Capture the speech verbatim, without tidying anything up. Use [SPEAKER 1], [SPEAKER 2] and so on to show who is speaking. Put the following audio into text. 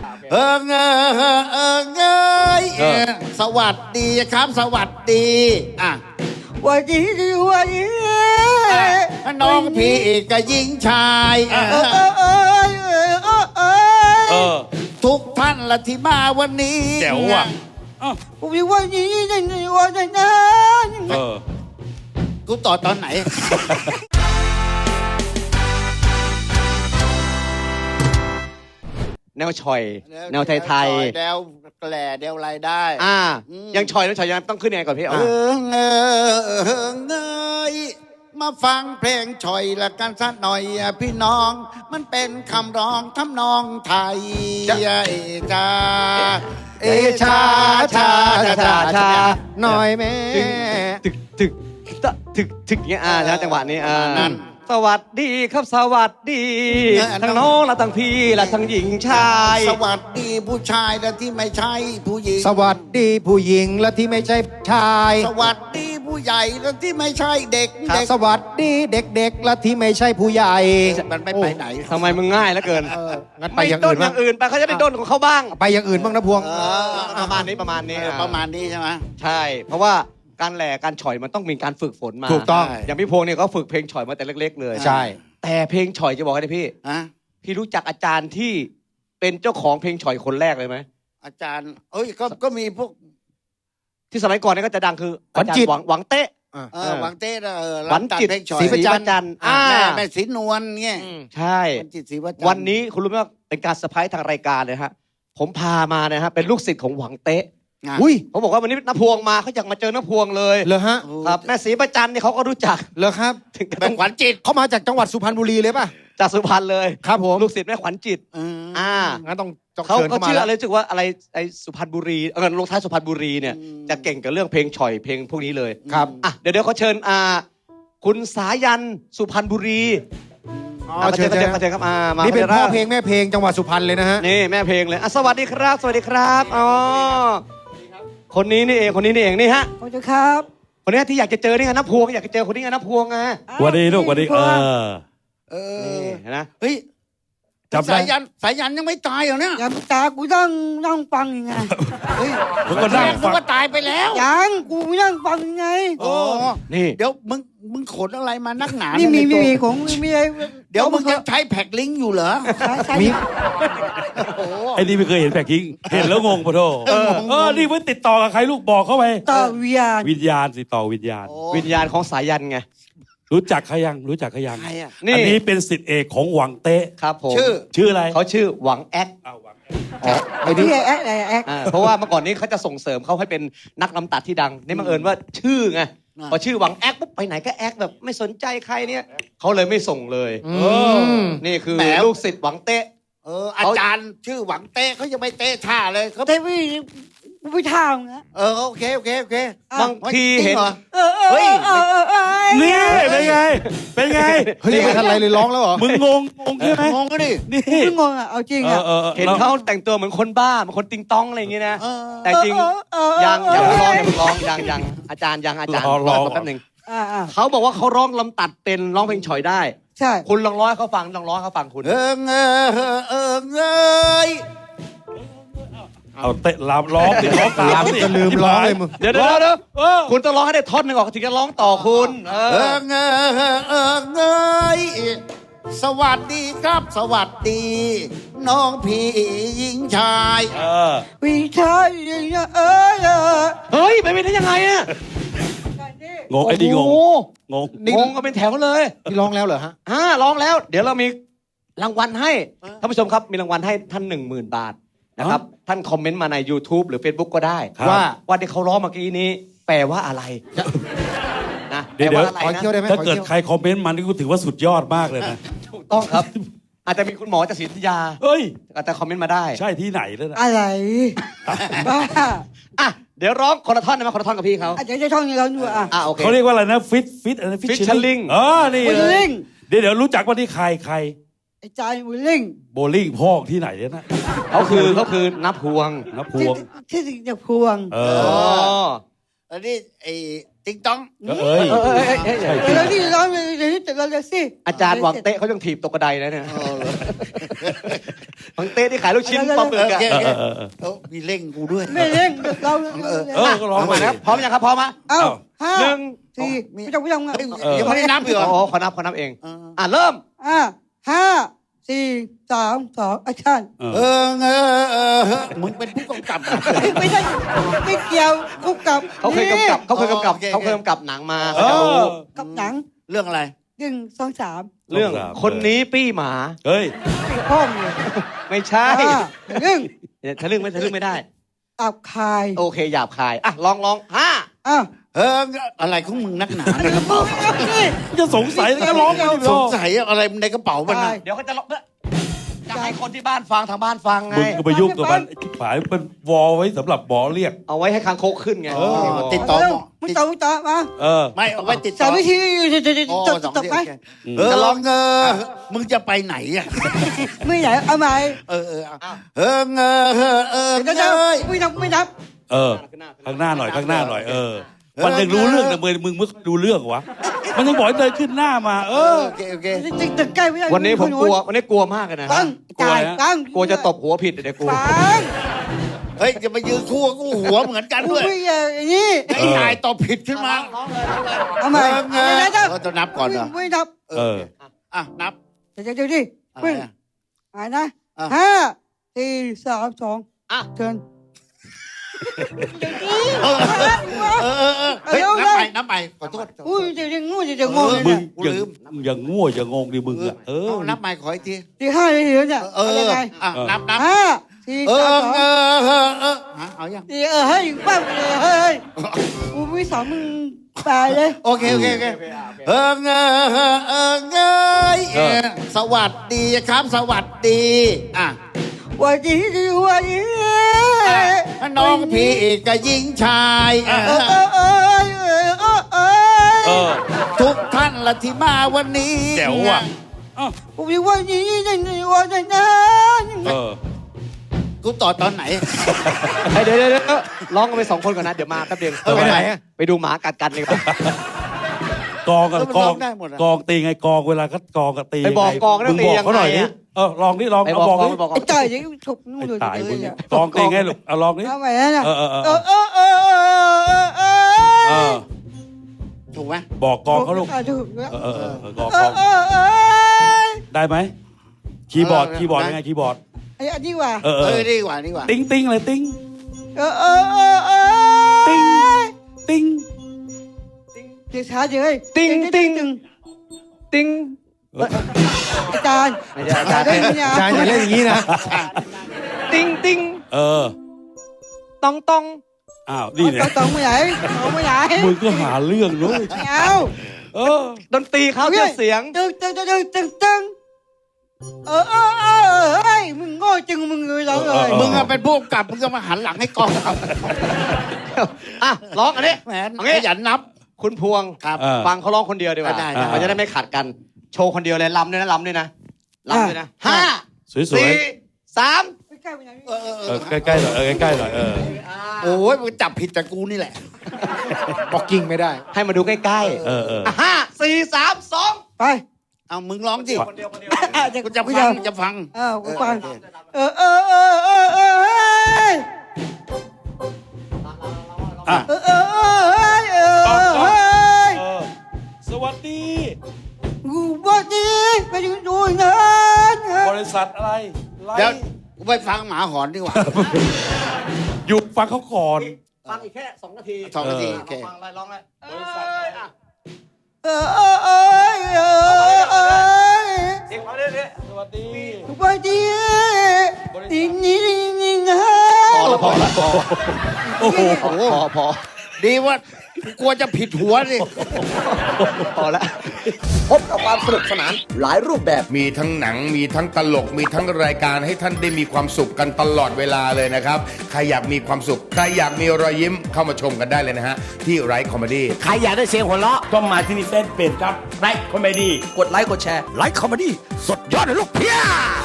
[SPEAKER 1] เออเงอเออเงยสวัสดีครับสวัสดีอ่ะ
[SPEAKER 2] วันนี้วันนี้
[SPEAKER 1] น้องพี่กับหญิงชายทุกท่านละที่มาวันนี้
[SPEAKER 3] แจ๋วอ่ะ
[SPEAKER 2] วันนี้วันนี้วันนี้
[SPEAKER 1] เออกูต่อตอนไหน
[SPEAKER 4] แนวชอยแนวไทยไทย
[SPEAKER 1] แนวแกล่แนวอะไรได้
[SPEAKER 4] อ่ายังชอยแล้วชอยยังต้องขึ้นยังไงก่อนพี่เอ
[SPEAKER 1] อเงอเงยมาฟังเพลงชอยละกันสักหน่อยพี่น้องมันเป็นคำร้องทำนองไทยเอชาเอชาชาชาชาหน่อยแม่
[SPEAKER 4] ตึกตึกตึกตึกเงี้ยอ่านะจังหวะนี้อ่านั่นสวัสดีครับสวัสดีทั้งน้องและทั้งพี่และทั้งหญิงชาย
[SPEAKER 1] สวัสดีผู้ชายและที่ไม่ใช่ผู้หญิง
[SPEAKER 5] สวัสดีผู้หญิงและที่ไม่ใช่ชาย
[SPEAKER 1] สวัสดีผู้ใหญ่และที่ไม่ใช่เด็ก
[SPEAKER 5] สวัสดีเด็กๆและที่ไม่ใช่ผู้ใหญ่
[SPEAKER 1] มันไม่ไปไหน
[SPEAKER 4] ทำไมมึงง่ายแล้วเกิน
[SPEAKER 5] งั้นไปอย่างอื่น
[SPEAKER 4] อย่างอื่นไปเขาจะได้ด้นของเขาบ้าง
[SPEAKER 5] ไปอย่างอื่นบ้างนะพวง
[SPEAKER 4] ประมาณนี้ประมาณนี้
[SPEAKER 1] ประมาณนี้ใช่ไหม
[SPEAKER 4] ใช่เพราะว่าการแหล่การฉ่อยมันต้องมีการฝึกฝนมา
[SPEAKER 5] ถูกต้อง
[SPEAKER 4] อย่างพี่พงษ์เนี่ยก็ฝึกเพลงฉ่อยมาแต่เล็กๆเลย
[SPEAKER 5] ใช่
[SPEAKER 4] แต่เพลงฉ่อยจะบอกให้พี่พี่รู้จักอาจารย์ที่เป็นเจ้าของเพลงฉ่อยคนแรกเลยไหม
[SPEAKER 1] อาจารย์เอ้ยก็ก็มีพวก
[SPEAKER 4] ที่สมัยก่อนเนี่ยก็จะดังคืออาจารย์หวังหวังเต๊ะ
[SPEAKER 1] หวังเต้เออ
[SPEAKER 4] หวังจิตศรีประจันทร์
[SPEAKER 1] แม่แม่ศรีนวลเงี้ย
[SPEAKER 4] ใช่วันนี้คุณรู้ไหมว่าเป็นการเซอร์ไพรส์ทางรายการเลยฮะผมพามาเนี่ยฮะเป็นลูกศิษย์ของหวังเต๊ะ
[SPEAKER 5] อุ้ย
[SPEAKER 4] เขาบอกว่าวันนี้น้าพวงมาเขาอยากมาเจอน้าพวงเลย
[SPEAKER 5] เหรอฮะ
[SPEAKER 4] ครับแม่ศรีประจันเนี่ยเขาก็รู้จัก
[SPEAKER 5] เหรอครับ
[SPEAKER 1] แม่ขวัญจิต
[SPEAKER 5] เขามาจากจังหวัดสุพรรณบุรีเลยป่ะ
[SPEAKER 4] จากสุพรรณเลย
[SPEAKER 5] ครับผม
[SPEAKER 4] ลูกศิษย์แม่ขวัญจิต
[SPEAKER 5] อ่างั้นต้อง
[SPEAKER 4] เขาเขาเชื่ออะไรรู้สึกว่าอะไรไอ้สุพรรณบุรีเออลงท้ายสุพรรณบุรีเนี่ยจะเก่งกับเรื่องเพลงฉ่อยเพลงพวกนี้เลย
[SPEAKER 5] ครับ
[SPEAKER 4] อ่ะเดี๋ยวเดี๋ยวเขาเชิญอ่าคุณสายันสุพรรณบุรี
[SPEAKER 5] อ๋อเชิญเชิญเชิญครับมานี่เป็นพ่อเพลงแม่เพลงจังหวัดสุพรรณเลยนะฮะ
[SPEAKER 4] นี่แม่เพลงเลยอ่ะสวัสดีครับสวัสดีครับอ๋อคนนี้นี่เองคนนี้นี่เองนี่ฮะ
[SPEAKER 2] สวัสดีครับ
[SPEAKER 4] คนนี้ที่อยากจะเจอนี่ไงน้าพวงอยากจะเจอคนนี้ไงน้าพวงไง
[SPEAKER 3] สวัสดีลูกสวัสดีเออ
[SPEAKER 1] เออนะเฮ้ยสายยันสายยันยังไม่ตายเหรอเนี่ย
[SPEAKER 2] ยังตายกูต้องนั่งฟังยังไง
[SPEAKER 1] เฮ้ยมึงก็นั่งฟังก็ตายไปแล้ว
[SPEAKER 2] ยังกูนั่งฟังยังไง
[SPEAKER 1] โอ้นี่เดี๋ยวมึงมึงขนอะไรมานักหนา
[SPEAKER 2] นี่มีมีของมีอะไร
[SPEAKER 1] เดี๋ยวมึงจะใช้แพ็คลิงก์อยู่เหรอ
[SPEAKER 2] มี
[SPEAKER 3] ไอ้นี่ไม่เคยเห็นแพ็คลิงก์เห็นแล้วงงปะโธ่เออนี่เพิ่งติดต่อกับใครลูกบอกเข้าไป
[SPEAKER 2] ต่อวิญญาณ
[SPEAKER 3] วิญญาณติดต่อวิญญาณ
[SPEAKER 4] วิญญาณของสายันไง
[SPEAKER 3] รู้จักเขายังรู้จักเขายัง
[SPEAKER 4] อัน
[SPEAKER 3] นี้เป็นศิษย์เอกของหวังเต๊ะ
[SPEAKER 4] ครับผม
[SPEAKER 1] ชื่อ
[SPEAKER 3] ชื่ออะไร
[SPEAKER 4] เขาชื่อหวังแอ๊ก
[SPEAKER 2] ไอ้นี่แอ๊กไอ้แอ๊ก
[SPEAKER 4] เพราะว่าเมื่อก่อนนี้เขาจะส่งเสริมเขาให้เป็นนักลำตัดที่ดังนี่บังเอิญว่าชื่อไงพอชื่อหวังแอ๊กปุ๊บไปไหนก็แอ๊กแบบไม่สนใจใครเนี่ยเขาเลยไม่ส่งเลยนี่คือลูกศิษย์หวังเต๊ะ
[SPEAKER 1] เอออาจารย์ชื่อหวังเต๊ะเขายังไม่เต๊ะท่าเลยเขา
[SPEAKER 2] เต๊ะไม่ไม่ท่าไง
[SPEAKER 1] เออโอเคโอเคโอเค
[SPEAKER 4] บางทีเห็น
[SPEAKER 2] เฮ้ย
[SPEAKER 3] นี่เป็นไงเป็นไง
[SPEAKER 5] เฮ้ยไม่ทันไรเลยร้องแล้วเหรอ
[SPEAKER 3] มึงงงงงใช่ไหม
[SPEAKER 1] งงก็ดิ
[SPEAKER 2] นี่มึงงงอ่ะเอาจริงอ่ะ
[SPEAKER 4] เห็นเขาแต่งตัวเหมือนคนบ้าเหมือนคนติงต้องอะไรอย่างเงี้ยนะแต่จริงยังยังร้องยังร้องยังยังอาจารย์ยังอาจารย์รอแป๊บนึงเขาบอกว่าเขาร้องลำตัดเป็นร้องเพลงฉ่อยได้
[SPEAKER 2] ใช่
[SPEAKER 4] คุณลองร้องให้เขาฟังลองร้องให้เขาฟังคุณ
[SPEAKER 1] เออเออเออเออ
[SPEAKER 3] เอาเตะลามร้องติดร้องตาม
[SPEAKER 5] จะลืมร้องเลยมึง
[SPEAKER 4] เดี๋ยวเดี๋ยวเดี๋ยวคุณต้องร้องให้ได้ท่อนหนึ่งออกถึงจะร้องต่อคุณเอ
[SPEAKER 1] อเงอเออเงยสวัสดีครับสวัสดีน้องพี่หญิงชาย
[SPEAKER 2] พี่ชายเออ
[SPEAKER 4] เฮ้ยไปไม่ได้ยังไงอะ
[SPEAKER 3] งงไอ้ดีงงงง
[SPEAKER 4] งงก็เป็นแถวเลย
[SPEAKER 5] นี่ร้องแล้วเหรอฮะ
[SPEAKER 4] อ่าร้องแล้วเดี๋ยวเรามีรางวัลให้ท่านผู้ชมครับมีรางวัลให้ท่านหนึ่งหมื่นบาทนะครับท่านคอมเมนต์มาใน YouTube หรือ Facebook ก็ได้ว่าว่าที่เขาร้องเมื่อกี้นี้แปลว่าอะไร
[SPEAKER 3] นะเดี๋ยวถ้าเกิดใครคอมเมนต์มานี่กูถือว่าสุดยอดมากเลยนะ
[SPEAKER 4] ถูกต้องครับอาจจะมีคุณหมอจากศิลปยา
[SPEAKER 3] เฮ้ย
[SPEAKER 4] อาจจะคอมเมนต์มาได้
[SPEAKER 3] ใช่ที่ไหนเลยนะ
[SPEAKER 2] อะไรบ้า
[SPEAKER 4] อ่ะเดี๋ยวร้องคนละท่อนได้ไหมคนละท่อนกับพี่เขา
[SPEAKER 2] อาจจะท่อนนี้เราดูอ่ะ
[SPEAKER 4] อ่ะโอเค
[SPEAKER 3] เขาเรียกว่าอะไรนะฟิตฟิตอะไรฟิต
[SPEAKER 4] ชิลลิง
[SPEAKER 3] เออนี่เลยเดี๋ยวเดี๋ยวรู้จักว่าที่ใครใคร
[SPEAKER 2] ไอ้ใจโบลิ่ง
[SPEAKER 3] โบลิ่งพอกที่ไหนเนี่ยนะ
[SPEAKER 4] เขาคือเขาคือนับพวง
[SPEAKER 3] นับพวง
[SPEAKER 2] ที่ที่จะพวง
[SPEAKER 3] เอ
[SPEAKER 1] ออันนี้ไอ้ติ๊งต้อง
[SPEAKER 3] เอ้ย
[SPEAKER 2] แล้วที่ร้องเลยที่แต่เราเลยสิ
[SPEAKER 4] อาจารย์หวังเตะเขายังถีบตกกระไดนะเนี่ยบังเต้ที่ขายลูกชิ้นปลาหมึก
[SPEAKER 1] โอ
[SPEAKER 4] อะ
[SPEAKER 1] เคโอเค
[SPEAKER 3] เออเออเออ
[SPEAKER 1] เออมีเร่งกูด้วย
[SPEAKER 2] ไม่เล่นเรา
[SPEAKER 1] เออ
[SPEAKER 3] เออก็ร้องไป
[SPEAKER 4] มาครับพร้อมยังครับพร้อมไหม
[SPEAKER 2] เอ้าห้า
[SPEAKER 4] หนึ่ง
[SPEAKER 2] สี่ไม่ต้องไม่ต้อง
[SPEAKER 1] เฮ้ยยังไม่ได้นับอีกเหรอ
[SPEAKER 4] โอ้ขอนับขอนับเอง
[SPEAKER 1] เออ
[SPEAKER 4] อ่ะเริ่ม
[SPEAKER 2] อ่าห้าสี่สามสองแอคชั่น
[SPEAKER 3] เออ
[SPEAKER 1] เออเออเออเออมึงเป็นผู้กำกับอะ
[SPEAKER 2] ไม่ใช่ไม่เกี่ยวกุ๊กกับ
[SPEAKER 4] เขาเคยกำกับเขาเคยกำกับ
[SPEAKER 1] โอเค
[SPEAKER 4] เขาเคยกำกับหนังมา
[SPEAKER 3] เอ
[SPEAKER 4] เขาจะรู้
[SPEAKER 3] อ
[SPEAKER 2] กับหนัง
[SPEAKER 1] เรื่องอะไร
[SPEAKER 2] หนึ่งสองสาม
[SPEAKER 4] เรื่องคนนี้ปี้หมา
[SPEAKER 3] เฮ้ย
[SPEAKER 2] สี่ห้องเลย
[SPEAKER 4] ไม่ใช่
[SPEAKER 2] อ่าหนึ่ง
[SPEAKER 4] เนี่ยทะลึ่งไม่ทะลึ่งไม่ได้
[SPEAKER 2] อับคาย
[SPEAKER 4] โอเคหยาบคายอ่ะลองลองห้า
[SPEAKER 2] อ่ะ
[SPEAKER 1] เอออะไรของมึงนักหนาในกระเป๋า
[SPEAKER 2] นี่
[SPEAKER 3] จะสงสัยแล้วก็ร้องไปดิ
[SPEAKER 1] สงสัยอะไรในกระเป๋ามัน
[SPEAKER 2] ใช่
[SPEAKER 1] น่ะ
[SPEAKER 4] เดี๋ยวเขาจะลองเพื่อจะให้คนที่บ้านฟังทางบ้านฟังไง
[SPEAKER 3] มึงก็ไปยุ่งกับมันที่ผายเป็นวอลไว้สำหรับหมอเรียก
[SPEAKER 4] เอาไว้ให้คางคกขึ้นไง
[SPEAKER 3] เออ
[SPEAKER 1] ติดต่อหมอ
[SPEAKER 2] มึงต่อมึงต่อมา
[SPEAKER 3] เออ
[SPEAKER 1] ไม่เอาไว้ติดต่
[SPEAKER 2] สา
[SPEAKER 1] อ
[SPEAKER 2] มวิธีจะจะจะ
[SPEAKER 1] อ๋อ
[SPEAKER 2] จบ
[SPEAKER 1] สอง
[SPEAKER 2] จบ
[SPEAKER 1] ที่
[SPEAKER 2] ไหม
[SPEAKER 1] โอเคเออลองเออมึงจะไปไหนอ่ะ
[SPEAKER 2] ไม่ไหนเอาใหม่
[SPEAKER 1] เออเออเอาเออเออเออเออ
[SPEAKER 2] เดี๋ยวจะ
[SPEAKER 1] เอ้ย
[SPEAKER 2] ไม่นับไม่นับ
[SPEAKER 3] เออ ข้างหน้าหน่อยข้างหน้าหน่อยเออ มันยังรู้เรื่องแต่มึงมึงมึงดูเรื่องวะ มันยังบอกให้เดินขึ้นหน้ามา เออ
[SPEAKER 1] โอเคโอเค
[SPEAKER 2] จะจะใกล้ไม่ได้
[SPEAKER 4] วันนี้ผมกลัววันนี้กลัวมากเลยนะ
[SPEAKER 2] ตั้งจ่ายตั้ง
[SPEAKER 4] กลัวจะตบหัวผิดเดี๋ยวกลัว
[SPEAKER 2] ฟัง
[SPEAKER 1] เฮ้ยจะไปยืนคู่กับกูหัวเหมือนกัน
[SPEAKER 2] กู
[SPEAKER 1] ด้วย
[SPEAKER 2] ไม่อย่างนี้
[SPEAKER 1] ไอ้นายตอบผิดขึ้นมา
[SPEAKER 2] เอาใหม่
[SPEAKER 1] เออเออ
[SPEAKER 2] เดี๋ยวเดี๋ยว
[SPEAKER 1] เราจะนับก่อนเหรอ
[SPEAKER 2] ไม่นับ
[SPEAKER 3] เออ
[SPEAKER 1] อ่ะนับ
[SPEAKER 2] เดี๋ยวเดี๋ยวดิ
[SPEAKER 1] อะไร
[SPEAKER 2] เพิ่ง
[SPEAKER 1] อ่ะ
[SPEAKER 2] อ่านนะ
[SPEAKER 1] อ่ะ
[SPEAKER 2] ห้าสี่สามสอง
[SPEAKER 4] อ่ะ
[SPEAKER 2] เชิญ
[SPEAKER 1] เออเออเออเออเฮ้ยนับไปนับไปขอโทษ
[SPEAKER 2] อุ้ยจะจะงูจะจะงงเลย
[SPEAKER 3] มึ
[SPEAKER 2] เนี่
[SPEAKER 3] ง
[SPEAKER 2] ย
[SPEAKER 1] กู
[SPEAKER 3] อย่าง
[SPEAKER 1] ลืม
[SPEAKER 3] อย่างง่วอย่างงงดิมึงอ่ะ เออ
[SPEAKER 1] เอานับใหม่ขออีกที
[SPEAKER 2] ตีห้าเลยเหรอเนี่ย
[SPEAKER 1] เออ
[SPEAKER 2] ยังไง
[SPEAKER 1] อ่ะนับนับ
[SPEAKER 2] ห้าสี่
[SPEAKER 1] เอ
[SPEAKER 2] สา
[SPEAKER 1] อ
[SPEAKER 2] มสอง
[SPEAKER 1] เออเออเออฮะเอายัง
[SPEAKER 2] ตีเออเฮ้ยป้าเลยเฮ้ยกูไม่สอนมึงตายเลย
[SPEAKER 1] โอเคโอเคโอเคเออเออเออเออเงยเออสวัสดีครับสวัสดีอ่ะ
[SPEAKER 2] วันนี้ดีวันนี้
[SPEAKER 1] อ่ะน้องพี่กับหญิงชายเอ
[SPEAKER 2] เออ
[SPEAKER 1] อ
[SPEAKER 2] เออเออเออเออ
[SPEAKER 3] เออ
[SPEAKER 1] ทุกท่านละที่มาวันนี้
[SPEAKER 3] แจ๋วว่ะอ้าว
[SPEAKER 2] กูมีวันนี้ในวันนั้น
[SPEAKER 3] เออ
[SPEAKER 1] กูต่อตอนไหน
[SPEAKER 4] เฮ้ยเดี๋ยวเดี๋ยวเดี๋ยวร้องกันไปสองคนก่อนนะ เดี๋ยวมาแป๊บเดียว
[SPEAKER 3] เออไปไหนอะ
[SPEAKER 4] ไปดูหมากัดกันดีกว่า
[SPEAKER 3] กองกับ
[SPEAKER 1] เออมัน
[SPEAKER 3] กอง
[SPEAKER 1] ร้องได้หมดอะ
[SPEAKER 3] กองตีไงกองเวลาก็กองกับตี
[SPEAKER 4] ไปบอก
[SPEAKER 3] ยั
[SPEAKER 4] กองนะ
[SPEAKER 3] มึง
[SPEAKER 4] ตี
[SPEAKER 3] บอก
[SPEAKER 4] ยัง
[SPEAKER 3] เขาหน่อย
[SPEAKER 4] ไง
[SPEAKER 3] ดิ
[SPEAKER 4] อะ
[SPEAKER 3] เออลองดิลอง
[SPEAKER 4] ไป
[SPEAKER 3] เอา
[SPEAKER 4] บอก
[SPEAKER 3] บอก
[SPEAKER 4] กอง
[SPEAKER 3] ดิ
[SPEAKER 4] ไปบอกกอง
[SPEAKER 2] ไอ้จ่ายยังถูกนู่น
[SPEAKER 3] ไอ้
[SPEAKER 2] เลย
[SPEAKER 3] ตายมึงกองตีไงลูกเอาลองดิ
[SPEAKER 2] ทำไมนะ
[SPEAKER 3] เออเออเออ
[SPEAKER 2] เออเออเออเออ
[SPEAKER 3] เออ
[SPEAKER 1] ถูกไหม
[SPEAKER 3] บอกกองเขาลูก
[SPEAKER 2] ถูก
[SPEAKER 3] เออเออเออเออกอง
[SPEAKER 2] เอก
[SPEAKER 3] อ
[SPEAKER 2] อง เออเออ
[SPEAKER 3] ได้ไหมคีย์บอร์ดคีย์บอร์ดยังไงคีย์บอร์ด
[SPEAKER 2] ไอ้อันนี้ว่ะ
[SPEAKER 3] เออเอ
[SPEAKER 1] เอ
[SPEAKER 3] อ
[SPEAKER 1] อดีกว่าดีกว่า
[SPEAKER 3] ติ้งติ้งเลยติ้ง
[SPEAKER 2] เออเออเออเออ
[SPEAKER 3] ติ้งติ้ง
[SPEAKER 2] เดี๋ยวช้าเดี๋ยว
[SPEAKER 4] ติ้งติ้งติ้ง
[SPEAKER 2] อาจารย์
[SPEAKER 4] ไม่ใช่อาจารย์
[SPEAKER 2] ได้ไหมเนี่ย
[SPEAKER 5] อาจารย์อย่าเล่นอย่างนี้นะ
[SPEAKER 4] ติ้งติ้ง
[SPEAKER 3] เออ
[SPEAKER 4] ตองตอง
[SPEAKER 3] อ้าวนี่เนี่ย
[SPEAKER 2] ต้องไม่ไหนต้องไม่ไหน
[SPEAKER 3] มึงก็หาเรื่องด้วย
[SPEAKER 2] ไม่เอา
[SPEAKER 3] เออ
[SPEAKER 4] ดนตรีเขาเจอเสียง
[SPEAKER 2] ตึงตึงตึงตึงตึงเออเออเออเฮ้ยมึงโง่จึงมึงเลยเราเลย
[SPEAKER 1] มึงอะเป็นผู้กำกับมึงก็มาหันหลังให้กองครับ
[SPEAKER 4] อ่ะร้องอันนี้
[SPEAKER 1] แหม
[SPEAKER 4] เอางี้
[SPEAKER 1] ขยันนับ
[SPEAKER 4] คุณพวง
[SPEAKER 1] ครับ
[SPEAKER 3] เออ
[SPEAKER 4] ฟังเขาร้องคนเดียวดีกว่า
[SPEAKER 1] ได้ได้
[SPEAKER 4] มันจะได้ไม่ขัดกัน โชว์คนเดียวเลยลำด้วยนะลำด้วยนะลำด้วยนะห้า
[SPEAKER 3] สวย
[SPEAKER 4] สี่สาม
[SPEAKER 2] ไม่ใกล้ไปไหน
[SPEAKER 1] เออเออ
[SPEAKER 3] ๆ
[SPEAKER 1] เอ
[SPEAKER 3] เอ
[SPEAKER 1] อ
[SPEAKER 3] อใกล้ๆหน่อยเออใกล้ๆหน่อยเออ
[SPEAKER 1] โอ้ยมึงจับผิดจากกูนี่แหละ
[SPEAKER 5] บอกกิ้งไม่ได้
[SPEAKER 4] ให้มาดูใกล้
[SPEAKER 3] เออเออ
[SPEAKER 4] ๆอ่ะห้าสี่สามสอง
[SPEAKER 2] ไป
[SPEAKER 1] เอามึงร้องสิ
[SPEAKER 4] คนเดียวคนเดียว
[SPEAKER 1] กูจะฟังจะฟัง
[SPEAKER 2] เออกูฟังเออเออเออเออเออเฮ้ย
[SPEAKER 3] อ่ะ
[SPEAKER 2] เออเออเออเฮ้ยเออเฮ้ย
[SPEAKER 3] เออสวัสดี
[SPEAKER 2] กูบอกดีไปดูดูนะ
[SPEAKER 3] บริษัทอะไรไล
[SPEAKER 1] เดี๋ยว
[SPEAKER 3] ฟ์
[SPEAKER 1] กูไปฟังหมาหอนดีกว่า
[SPEAKER 3] หยุดฟังเขาก่อน
[SPEAKER 4] ฟังอีกแค่สองนาที
[SPEAKER 1] สองนาที
[SPEAKER 3] เออ
[SPEAKER 1] โอเค
[SPEAKER 4] ฟังอะไรร้องอะไร
[SPEAKER 3] บริษัทอะไร
[SPEAKER 4] อ่ะ
[SPEAKER 2] เออเออเออเออเออ
[SPEAKER 4] เสียงเขาเรื่อย
[SPEAKER 3] สวัสดี
[SPEAKER 2] กูบอกดีนี่นี่นี่นะ
[SPEAKER 4] ๆพอละพอละพอ
[SPEAKER 3] โอ้โห
[SPEAKER 4] พอพอพอ
[SPEAKER 1] ดีว่ากูกลัวจะผิดหัวสิ
[SPEAKER 4] พอละ
[SPEAKER 6] พบกับความสนุกสนานหลายรูปแบบ
[SPEAKER 7] มีทั้งหนังมีทั้งตลก มีทั้งรายการให้ท่านได้มีความสุขกันตลอดเวลาเลยนะครับ ใครอยากมีความสุข ใครอยากมีรอยยิ้มเข้ามาชมกันได้เลยนะฮะ ที่ไรคอมเมดี้
[SPEAKER 6] ใครอยากได้เสียงหัวเราะ
[SPEAKER 8] ก็มาที่นี่เฟซเพจครับไลค์คอมเมดี้
[SPEAKER 6] กดไลค์กดแชร์ไลค์คอมเมดี้สดยอดเลยลูกเพีย